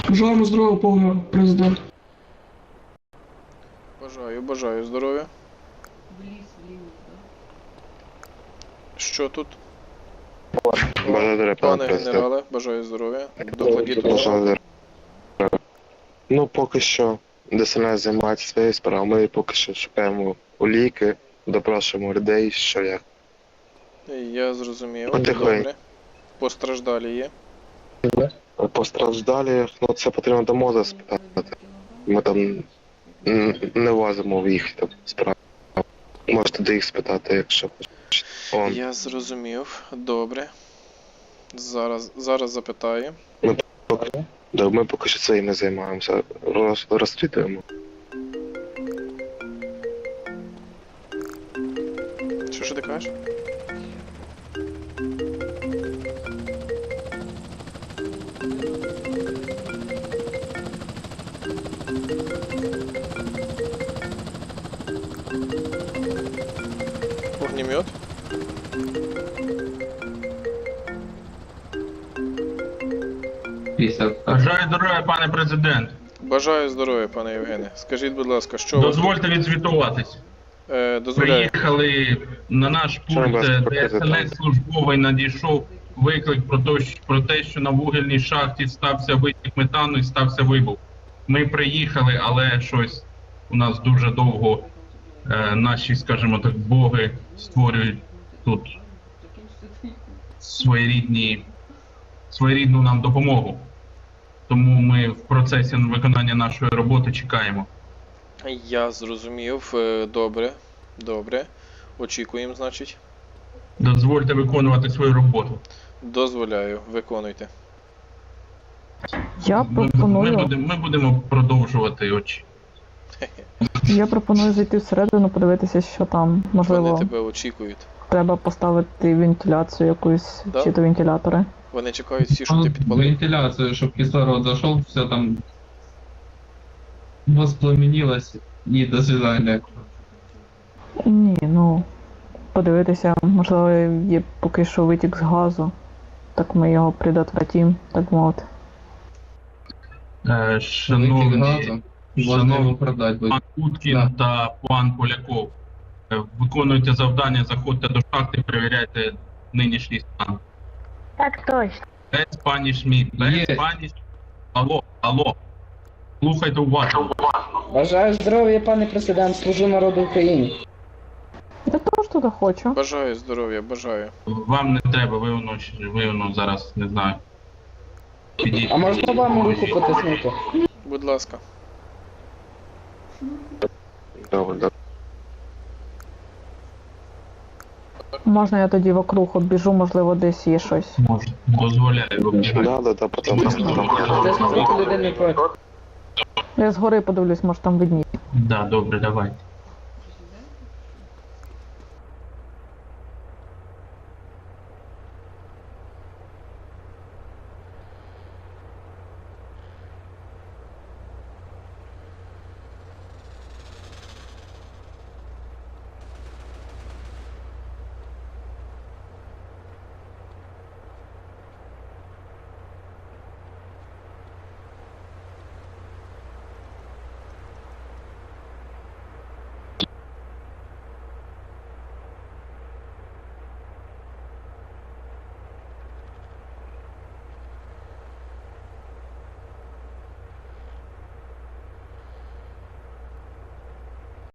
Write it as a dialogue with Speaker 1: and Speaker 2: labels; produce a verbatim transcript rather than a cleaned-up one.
Speaker 1: Бажаємо здоров'я, пане президент.
Speaker 2: Бажаю, бажаю здоров'я.
Speaker 3: В ліс вліво, так?
Speaker 2: Що тут?
Speaker 4: Благодарю, пане
Speaker 2: Пане
Speaker 4: президент.
Speaker 2: генерале, бажаю здоров'я. Докладіть.
Speaker 4: Благодарю. Ну, поки що ДСНС займається своєю справою. Ми поки що шукаємо уліки, допрошуємо людей, що як.
Speaker 2: Я зрозумів.
Speaker 4: Потихоньку.
Speaker 2: Добре. Постраждалі є.
Speaker 4: Постраждалі, ну це потрібно до МОЗа спитати. Ми там м, не влазимо в їх там справи. Можете до їх спитати, якщо хочете. Он.
Speaker 2: Я зрозумів. Добре. Зараз, зараз запитаю.
Speaker 4: Да, ми поки що своїм не займаємося. Роз, розслідуємо.
Speaker 2: Що що ти кажеш? Огнемет?
Speaker 5: Бажаю здоров'я, пане президент.
Speaker 2: Бажаю здоров'я, пане Євгене. Скажіть, будь ласка, що ви
Speaker 5: Дозвольте відзвітуватись.
Speaker 2: е, дозволяє?
Speaker 5: Приїхали на наш
Speaker 4: Що
Speaker 5: пункт,
Speaker 4: вас
Speaker 5: де
Speaker 4: пропозиція?
Speaker 5: ДСНС службовий надійшов виклик про те, що- про те, що на вугільній шахті стався витік метану і стався вибух. Ми приїхали, але щось у нас дуже довго е, наші, скажімо так, боги створюють тут своєрідні, своєрідну нам допомогу. Тому ми в процесі виконання нашої роботи чекаємо.
Speaker 2: Я зрозумів. Е, Добре. Добре. Очікуємо, значить.
Speaker 5: Дозвольте виконувати свою роботу.
Speaker 2: Дозволяю. Виконуйте.
Speaker 6: Я
Speaker 5: Ми, ми,
Speaker 6: пропоную,
Speaker 5: будемо, ми будемо продовжувати очі.
Speaker 6: я пропоную зайти всередину, подивитися, що там.
Speaker 2: Вони
Speaker 6: Можливо,
Speaker 2: тебе очікують.
Speaker 6: треба поставити вентиляцію якусь,
Speaker 2: Да.
Speaker 6: чи то вентилятори.
Speaker 2: Вони чекають всі, щоб ти підпалив.
Speaker 7: Вентиляцию, чтобы кислород зашел, все там воспламенилось, и до свидания.
Speaker 6: Ні, ну подивитися, можливо, є поки що витік з газу. Так ми його предотвратимо, так мовити.
Speaker 5: Е,
Speaker 7: Выкинь
Speaker 5: шановні,
Speaker 7: газом, можно
Speaker 5: шановні
Speaker 7: его продать будет.
Speaker 5: пан Уткін та пан Поляков, е, виконуйте завдання, заходьте до шахти, перевіряйте нинішній стан.
Speaker 8: Так точно.
Speaker 5: Без пані Шмідт, без
Speaker 7: Є.
Speaker 5: пані... Алло, алло. Слухайте уважно.
Speaker 9: Бажаю здоров'я, пане президент, служу народу України.
Speaker 6: Я теж туди хочу.
Speaker 2: Бажаю здоров'я, бажаю.
Speaker 5: Вам не треба, ви воно, ви воно зараз, не знаю. Підійдіть.
Speaker 9: А можна вам руку потиснути?
Speaker 2: Будь ласка.
Speaker 4: Добре, добре.
Speaker 6: Можна я тоді вокруг обіжу, можливо, десь є щось.
Speaker 5: Може, дозволяю, вибачаю.
Speaker 4: Да, да, да, потім.
Speaker 9: Тиснути людини проти.
Speaker 6: Я згори подивлюсь, може там видніє.
Speaker 5: Да, добре, давайте.